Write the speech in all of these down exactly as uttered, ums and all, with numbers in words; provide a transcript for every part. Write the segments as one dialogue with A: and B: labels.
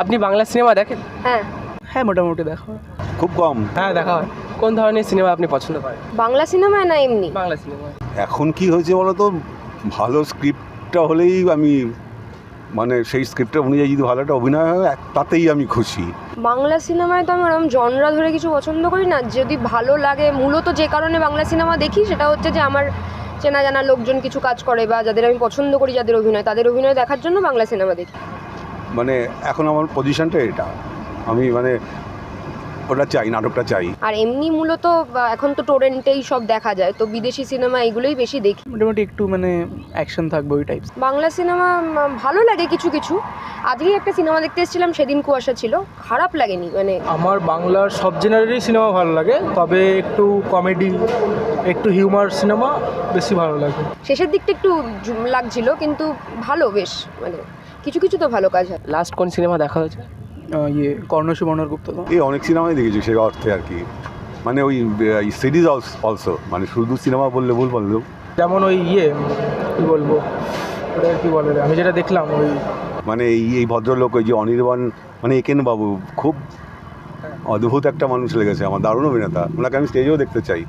A: আপনি বাংলা সিনেমা দেখেন?
B: হ্যাঁ
C: হ্যাঁ মোটামুটি দেখা হয়,
D: খুব কম।
A: হ্যাঁ, দেখা হয়। কোন ধরনের সিনেমা আপনি পছন্দ করেন?
B: বাংলা সিনেমায় না এমনি
A: বাংলা সিনেমা।
D: এখন কি হয়েছে বলো তো, ভালো স্ক্রিপ্টটা হলেই আমি মানে সেই স্ক্রিপ্টের অনুযায়ী যদি ভালো একটা অভিনয় হয় তাতেই আমি খুশি।
B: বাংলা সিনেমায় তো আমি ওরকম জনরা ধরে কিছু পছন্দ করি না, যদি ভালো লাগে মূলত যে কারণে বাংলা সিনেমা দেখি সেটা হচ্ছে যে আমার চেনা জানা লোকজন কিছু কাজ করে বা যাদের আমি পছন্দ করি যাদের অভিনয়, তাদের অভিনয় দেখার জন্য বাংলা সিনেমা দেখি।
D: মানে এখন আমার পজিশনটা এটা, আমি মানে ওটা চাই, নাটকটা চাই।
B: আর এমনি মূলত বা এখন তো টোরেন্টেই সব দেখা যায়, তো বিদেশি সিনেমা এগুলোই বেশি দেখি।
C: মোটামুটি একটু মানে অ্যাকশন থাকবে ওই টাইপস।
B: বাংলা সিনেমা ভালো লাগে কিছু কিছু। আজকেই একটা সিনেমা দেখতে এসেছিলাম, সেদিন কুয়াশা ছিল, খারাপ লাগেনি। মানে
E: আমার বাংলার সব জেনারেরই সিনেমা ভালো লাগে, তবে একটু কমেডি একটু হিউমার সিনেমা বেশি ভালো লাগে।
B: শেষের দিকটা একটু জুম লাগছিল, কিন্তু ভালো, বেশ মানে কিছু কিছু তো ভালো কাজ হয়।
A: লাস্ট কোন সিনেমা দেখা হয়েছে?
C: ইয়ে কর্ণ সুবর্ণর গুপ্ত।
D: এই অনেক সিনেমাই দেখেছি সেই অর্থে আর কি, মানে ওই সিরিজ অলসো, মানে শুধু সিনেমা বললে ভুল বললেও।
E: যেমন ওই ইয়ে কী বলবো, ওটা কী বলে রে, আমি যেটা দেখলাম ওই
D: মানে এই এই ভদ্রলোক ওই যে অনির্বাণ, মানে একেন বাবু, খুব অদ্ভুত একটা মানুষ লেগেছে আমার, দারুণ অভিনেতা, ওনাকে আমি স্টেজেও দেখতে চাই।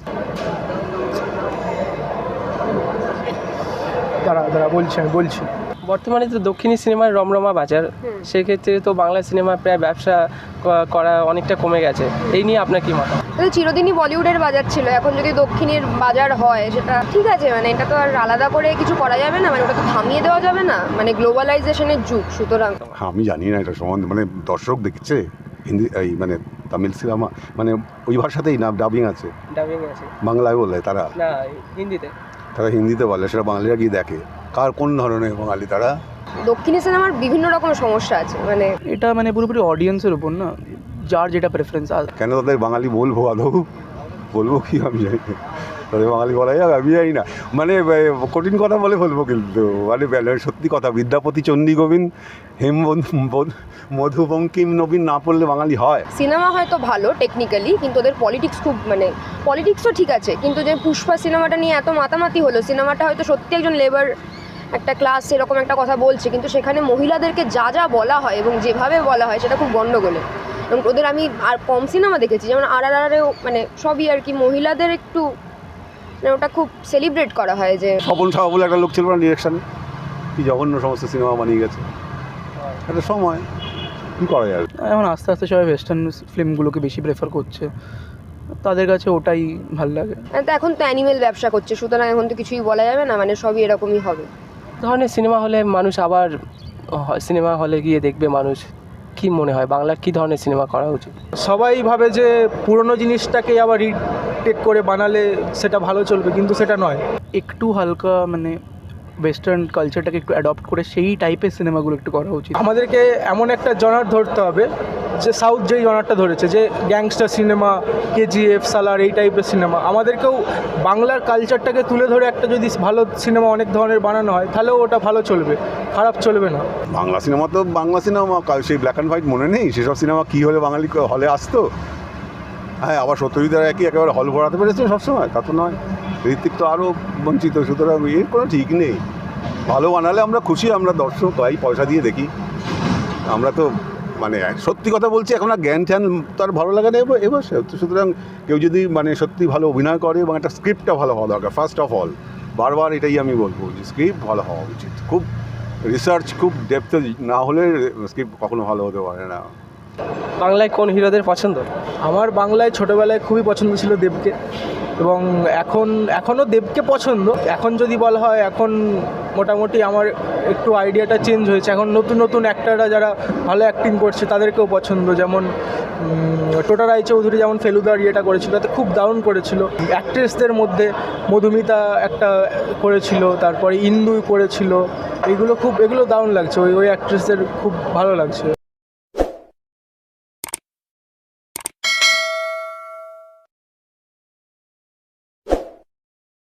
E: দাঁড়া দাঁড়া বলছি আমি বলছি
A: বর্তমানে তো দক্ষিণী সিনেমার রমরমা বাজার, সেক্ষেত্রে তো বাংলা সিনেমা প্রায় ব্যবসা ক- করা অনেকটা কমে গেছে। এই নিয়ে আপনার কি মত?
B: তো চিরদিনই বলিউডের বাজার ছিল, এখন যদি দক্ষিণের বাজার হয় সেটা ঠিক আছে, মানে এটা তো আর আলাদা করে কিছু করা যাবে না, মানে ওটা তো থামিয়ে দেওয়া যাবে না, মানে গ্লোবালাইজেশনের যুগ, সুতরাং।
D: হ্যাঁ, আমি জানি না এটা সম্বন্ধে, মানে দর্শক দেখছে হিন্দি এই মানে তামিল সিনেমা, মানে ওই ভাষাতেই না ডাবিং আছে,
A: ডাবিং আছে
D: বাংলায় বলে তারা,
A: না হিন্দিতে?
D: তারা হিন্দিতে বলে, সেটা বাঙালিরা গিয়ে দেখে। কার কোন ধরনের বাঙালি তারা?
B: দক্ষিণী সিনেমার বিভিন্ন রকম সমস্যা আছে, মানে
C: এটা মানে পুরোপুরি অডিয়েন্সের উপর না, যার যেটা প্রেফারেন্স।
D: কেন তাদের বাঙালি বলবো আদৌ? বলবো কি আমি জানি না, তাদের বাঙালি বলা যাবে আমি জানি না, মানে কঠিন কথা বলে বলবো, কিন্তু মানে সত্যি কথা, বিদ্যাপতি চণ্ডী গোবিন্দ হেম মধু বঙ্কিম নবীন না পড়লে বাঙালি হয়?
B: সিনেমা হয়তো ভালো টেকনিক্যালি, কিন্তু ওদের পলিটিক্স খুব, মানে পলিটিক্সও ঠিক আছে, কিন্তু যে পুষ্পা সিনেমাটা নিয়ে এত মাতামাতি হলো, সিনেমাটা হয়তো সত্যি একজন লেবার একটা ক্লাস এরকম একটা কথা বলছে, কিন্তু সেখানে মহিলাদেরকে যা যা বলা হয় এবং যেভাবে বলা হয় সেটা খুব গণ্ডগোলে। এবং ওদের আমি আর কম সিনেমা দেখেছি, যেমন আর আর আরেও মানে সবই আর কি মহিলাদের একটু মানে ওটা খুব সেলিব্রেট করা হয় যে
D: স্বপন সাহা বলে একটা লোক ছিল না ডিরেকশানে, কি জঘন্য সমস্ত সিনেমা বানিয়ে গেছে, একটা সময় কী করা যাবে।
C: এখন আস্তে আস্তে সবাই ওয়েস্টার্ন ফিল্মগুলোকে বেশি প্রেফার করছে, তাদের কাছে ওটাই ভালো লাগে।
B: তো এখন তো অ্যানিমেল ব্যবসা করছে, সুতরাং এখন তো কিছুই বলা যাবে না, মানে সবই এরকমই হবে।
A: ধরনের সিনেমা হলে মানুষ আবার সিনেমা হলে গিয়ে দেখবে মানুষ, কি মনে হয় বাংলার কী ধরনের সিনেমা করা উচিত?
E: সবাই ভাবে যে পুরনো জিনিসটাকে আবার রিটেক করে বানালে সেটা ভালো চলবে, কিন্তু সেটা নয়।
C: একটু হালকা মানে ওয়েস্টার্ন কালচারটাকে একটু অ্যাডপ্ট করে সেই টাইপের সিনেমাগুলো একটু করা উচিত।
E: আমাদেরকে এমন একটা জনার ধরতে হবে, যে সাউথ যেই জনারটা ধরেছে, যে গ্যাংস্টার সিনেমা, কেজিএফ, সালার, এই টাইপের সিনেমা, আমাদেরকেও বাংলার কালচারটাকে তুলে ধরে একটা যদি ভালো সিনেমা অনেক ধরনের বানানো হয়, তাহলেও ওটা ভালো চলবে, খারাপ চলবে না।
D: বাংলা সিনেমা তো বাংলা সিনেমা, সেই ব্ল্যাক অ্যান্ড হোয়াইট মনে নেই সেসব সিনেমা কী হলে বাঙালি হলে আসতো? হ্যাঁ, আবার সত্যজিৎ রায় কি একেবারে হল ভরাতে পেরেছে সবসময়? তা তো নয়, ঋত্বিক তো আরও বঞ্চিত, সুতরাং এর কোনো ঠিক নেই। ভালো বানালে আমরা খুশি, আমরা দর্শক ভাই, পয়সা দিয়ে দেখি। আমরা তো মানে সত্যি কথা বলছি, এখন আর জ্ঞান ঠ্যান তার ভালো লাগে না এবার, সুতরাং কেউ যদি মানে সত্যি ভালো অভিনয় করে এবং একটা স্ক্রিপ্টটা ভালো হওয়া দরকার ফার্স্ট অফ অল, বারবার এটাই আমি বলবো যে স্ক্রিপ্ট ভালো হওয়া উচিত, খুব রিসার্চ খুব ডেপথে না হলে স্ক্রিপ্ট কখনো ভালো হতে পারে না।
A: বাংলায় কোন হিরোদের পছন্দ?
E: আমার বাংলায় ছোটোবেলায় খুবই পছন্দ ছিল দেবকে, এবং এখন এখনও দেবকে পছন্দ। এখন যদি বলা হয়, এখন মোটামুটি আমার একটু আইডিয়াটা চেঞ্জ হয়েছে, এখন নতুন নতুন অ্যাক্টাররা যারা ভালো অ্যাক্টিং করছে তাদেরকেও পছন্দ, যেমন টোটা রায়চৌধুরী যেমন ফেলুদার ইয়েটা করেছিল, তাতে খুব দারুণ করেছিল। অ্যাক্ট্রেসদের মধ্যে মধুমিতা একটা করেছিল, তারপরে ইন্দু করেছিল, এগুলো খুব এগুলো দারুণ লাগছে, ওই ওই অ্যাক্ট্রেসদের খুব ভালো লাগছে।